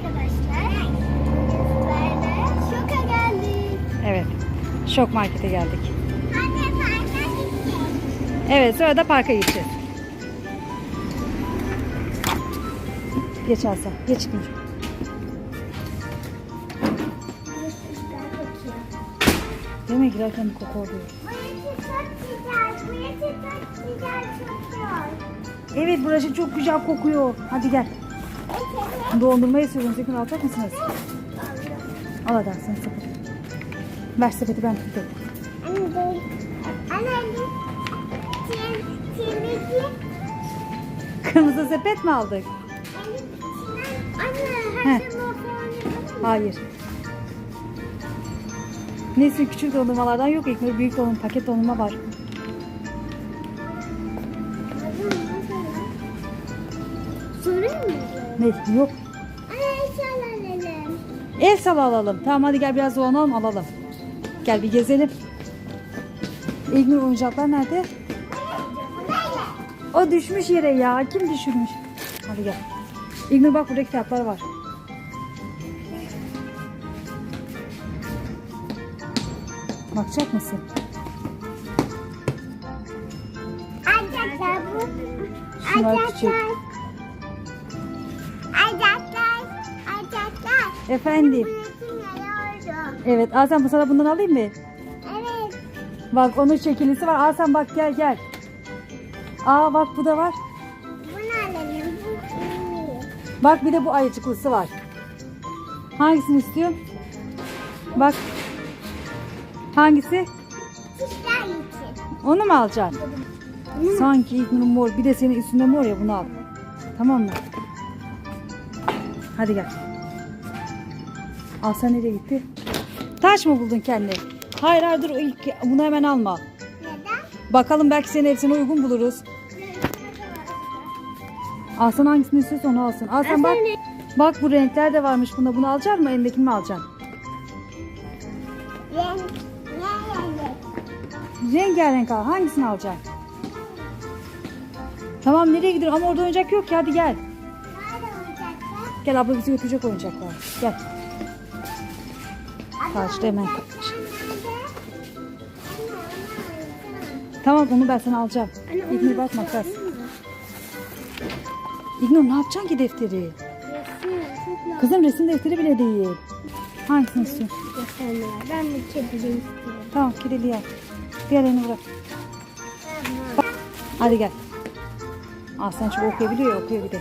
arkadaşlar. Böyle şoka geldik. Evet. Şok markete geldik. Anne parka gittik. Evet, sonra da parka gideceğiz. Geç Aslan. Geç Nur. Değil mi? Girerken bir koku oluyor. Burası çok güzel. Burası çok güzel kokuyor. Evet, burası çok güzel kokuyor. Hadi gel. Dondurma istiyorum. Sakın alacak mısınız? Al hadi sen sepeti. Ver sepeti, ben tutayım. Anne değil. Anne temizlik. Kırmızı sepet mi aldık? Anne Heh. her şey falan yapalım mı? Hayır. Neyse, küçük dondurmalardan yok. İlk büyük dondurma, paket dondurma var. Sorayım mı? Ne? Yok. Anne eşyalar alalım. El sala alalım. Tamam, hadi gel biraz dolanalım, alalım. Gel bir gezelim. İlgnur, oyuncaklar nerede? O düşmüş yere ya. Kim düşürmüş? Hadi gel. İlgnur bak, burada kitaplar var. Bakacak mısın? Ayacaklar bu. Şunlar Ayacaklar. küçük. Ayacaklar. Ayacaklar. Efendim. Burası ne oldu? Evet, Aslan, bu sana bundan alayım mı? Evet. Bak, onun şekillisi var. Aslan bak, gel gel. Aa bak, bu da var. Bunu alalım. Bu iyi. Bak, bir de bu ayıcıklısı var. Hangisini istiyorsun? Bak. Hangisi? Çiftler için. Onu mu alacaksın? Sanki İlknur'un mor. Bir de senin üstünde mor ya, bunu al. Tamam mı? Hadi gel. Aslan nereye gitti? Taş mı buldun kendine? Hayır hayır, dur, ilk bunu hemen alma. Neden? Bakalım, belki senin hepsine uygun buluruz. Aslan hangisini istiyorsa onu alsın. Aslan bak. Bak, bu renkler de varmış bunda. Bunu alacak mısın? Elindekini mi alacaksın? Renk. Rengarenk al. Hangisini alacaksın? Tamam, nereye gidiyorsun? Ama orada oyuncak yok ki. Hadi gel. Nerede olacaklar? Gel, abla bizi götürecek oyuncaklar. Gel. Karşıda hemen. Tamam, onu ben sana alacağım. İlknur bak, makas. İlknur, ne yapacaksın ki defteri? Kızım, resim defteri bile değil. Hangisini istiyorsun? Ben de kedili istiyorum. Tamam, kediliği al. Diğerini bırak. Hadi gel. Aslan çok okuyabiliyor ya, okuyor bir de.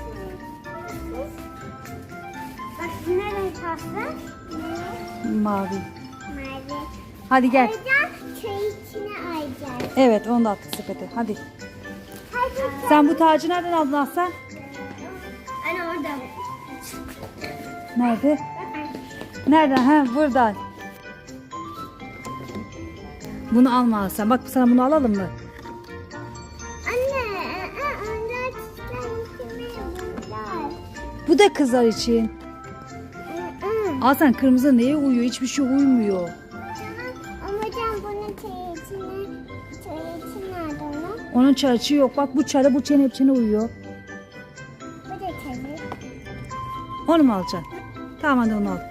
Bak ne renk pasta? Mavi. Mavi. Hadi gel. Ayacak, çay içine ayacak. Evet, onu da attık sepete. Hadi. Hadi. Sen bu tacı nereden aldın Aslan? Anne orada. Nerede? Nereden? Ha, buradan. Bunu alma Aslan. Bak, sana bunu alalım mı? Anne, onlar çiçekler içine bunlar. Bu da kızlar için. Aslan, kırmızı neye uyuyor? Hiçbir şey uymuyor. Ama can bunun çay içi nerede onun? Onun çarçı yok. Bak, bu çarı bu çene hepsine uyuyor. Bu da çayı. Onu mu alacaksın? Tamam, hadi onu al.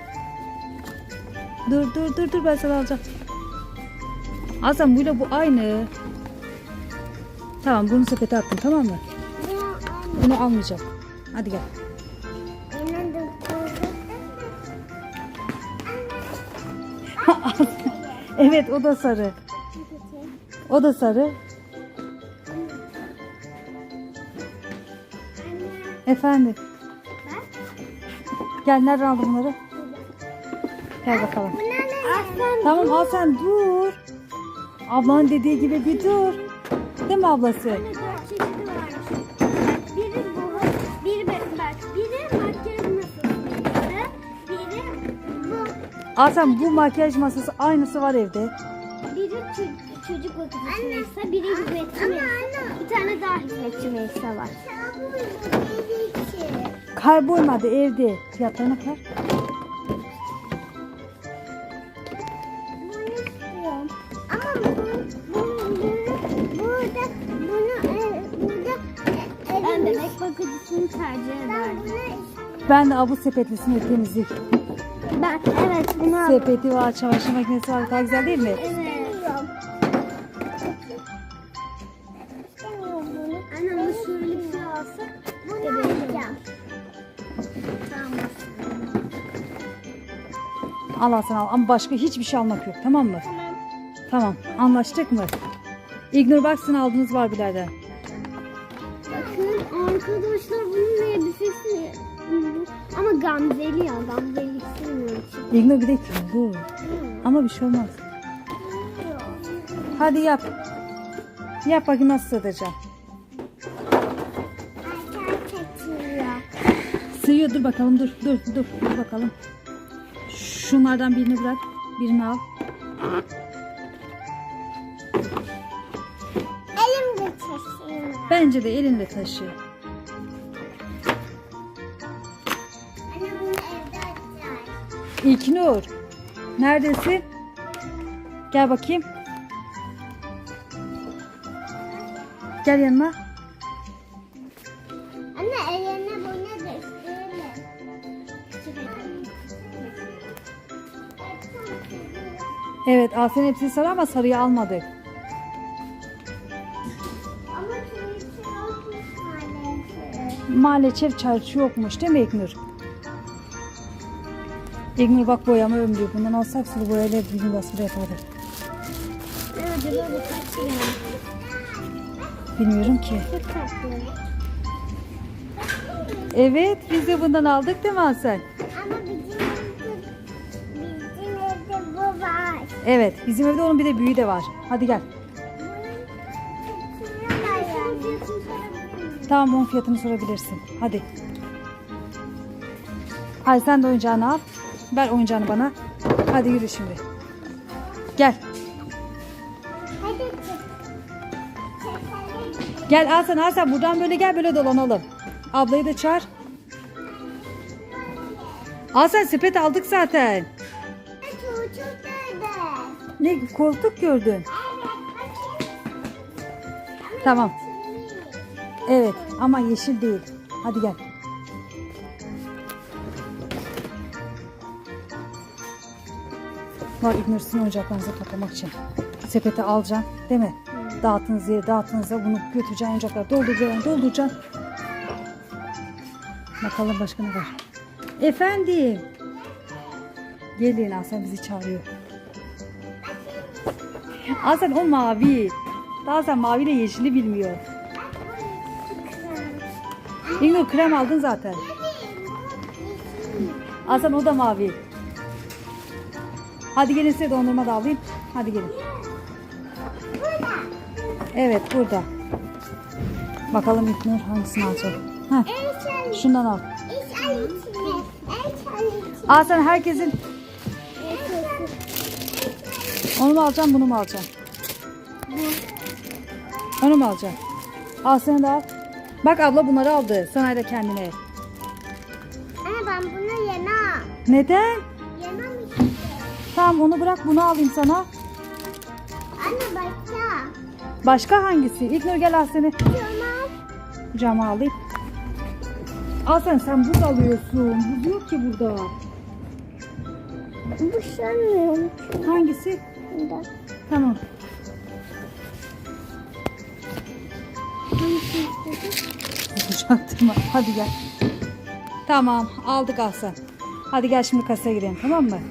Dur, ben sana alacağım. Aslan, buyla bu aynı. Tamam, bunu sepete attım, tamam mı? Bunu almayacağım. Hadi gel. Evet, o da sarı. O da sarı. Efendim. Gel, nereden aldın bunları? Gel bakalım. Tamam, al sen, dur. Ablanın dediği gibi bir dur. Değil mi ablası? Biri makyaj masasıydı. Biri bu. Al sen, bu makyaj masası aynısı var evde. Biri çocuk bakıcısı Melisa, biri hizmetçi Melisa. Bir tane daha hizmetçi Melisa var. Kaybolmadı evde. Fiyatlarına kadar. Bunu istiyorum. Ama burada ben bebek bakıcısını tercih ederdim. Ben bunu istiyorum. Ben de bu sepetlisini temizlik. Evet bunu al. Sepeti var, çamaşır makinesi var. Daha güzel değil mi? Evet. İstemiyorum bunu. Anne bu şöyle bir şey alsak. Bunu alacağım. Tamam. Al Hasan al. Ama başka hiçbir şey almak yok. Tamam mı? Tamam. Tamam. Anlaştık mı? İgnur baksın aldığınız Barbie'lerden. Bakın arkadaşlar bunun elbisesi. Ama Gamzeli ya. Gamzeli istemiyorum. İgnur bir de bu. Ama bir şey olmaz. Hadi yap. Yap bakayım nasıl sığdıracağım. Sığıyor, dur bakalım, dur bakalım. Şunlardan birini bırak, birini al. Elimde taşıyayım. Bence de elinle taşı. Anne bunu evde açacağız. İlknur, neredesin? Gel bakayım. Gel yanıma. Anne eline bu nedir? Evet, Asen hepsini sarı ama sarıyı almadık. Ama turuncu yokmuş maalesef. Maalesef çarşı yokmuş değil mi İlknur? İlknur bak boyama ömrü. Bundan alsak sulu boyayla bir basılı yapardık. Ne acaba bu kaç lira? Bilmiyorum ki. Çok tatlı. Evet, biz de bundan aldık değil mi Asen? Ama bizim evde bu var. Evet, bizim evde onun bir de büyüğü de var. Hadi gel. Tamam, onun fiyatını sorabilirsin. Hadi. Hadi sen de oyuncağını al. Ver oyuncağını bana. Hadi yürü şimdi. Gel. Hadi çık. Gel Hasan buradan böyle gel, böyle dolanalım. Ablayı da çağır. Hasan sepet aldık zaten. Çocuk nerede? Ne koltuk gördün? Evet, bakayım. Tamam. Evet ama yeşil değil. Hadi gel. Var İgnur'sun oyuncaklarınızı toplamak için. Sepete alacaksın değil mi? Dağıttığınız yere dağıttığınızda bunu götüreceksin, oyuncakları dolduracaksın. Bakalım başka ne var? Efendim. Gelin, Hasan bizi çağırıyor. Hasan o mavi. Daha sen maviyle yeşili bilmiyor. İgnur krem aldın zaten. Hasan o da mavi. Hadi gelin, size dondurma da alayım. Hadi gelin. Evet burada. Bakalım İgnur hangisini alacak. Heh, şundan al. Hasan herkesin. Onu mu alacaksın, bunu mu alacaksın? Onu mu alacaksın? Al, sen de al. Bak abla bunları aldı. Sana da kendine. Anne ben bunu yemem. Neden? Yemem işte. Tamam onu bırak, bunu alayım sana. Anne başka. Başka hangisi? İlknur gel, al seni. Tamam. Kucağıma alayım. Al sen buz alıyorsun. Buz yok ki burada. Bu sanmıyorum. Hangisi? Bunda. Tamam. Kucaktırma. Hadi gel. Tamam aldık Hasan. Hadi gel şimdi kasaya gidelim, tamam mı?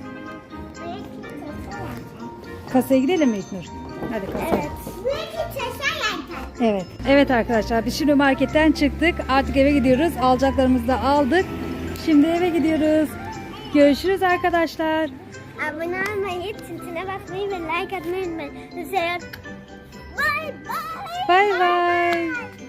Kasaya gidelim mi İlknur? Hadi kasaya. Evet. Belki çeşen Evet. Evet arkadaşlar, biz şimdi marketten çıktık. Artık eve gidiyoruz. Alacaklarımızı da aldık. Şimdi eve gidiyoruz. Görüşürüz arkadaşlar. Abone olmayı, tintine basmayı ve like atmayı unutmayın. Bye bye. Bay bay.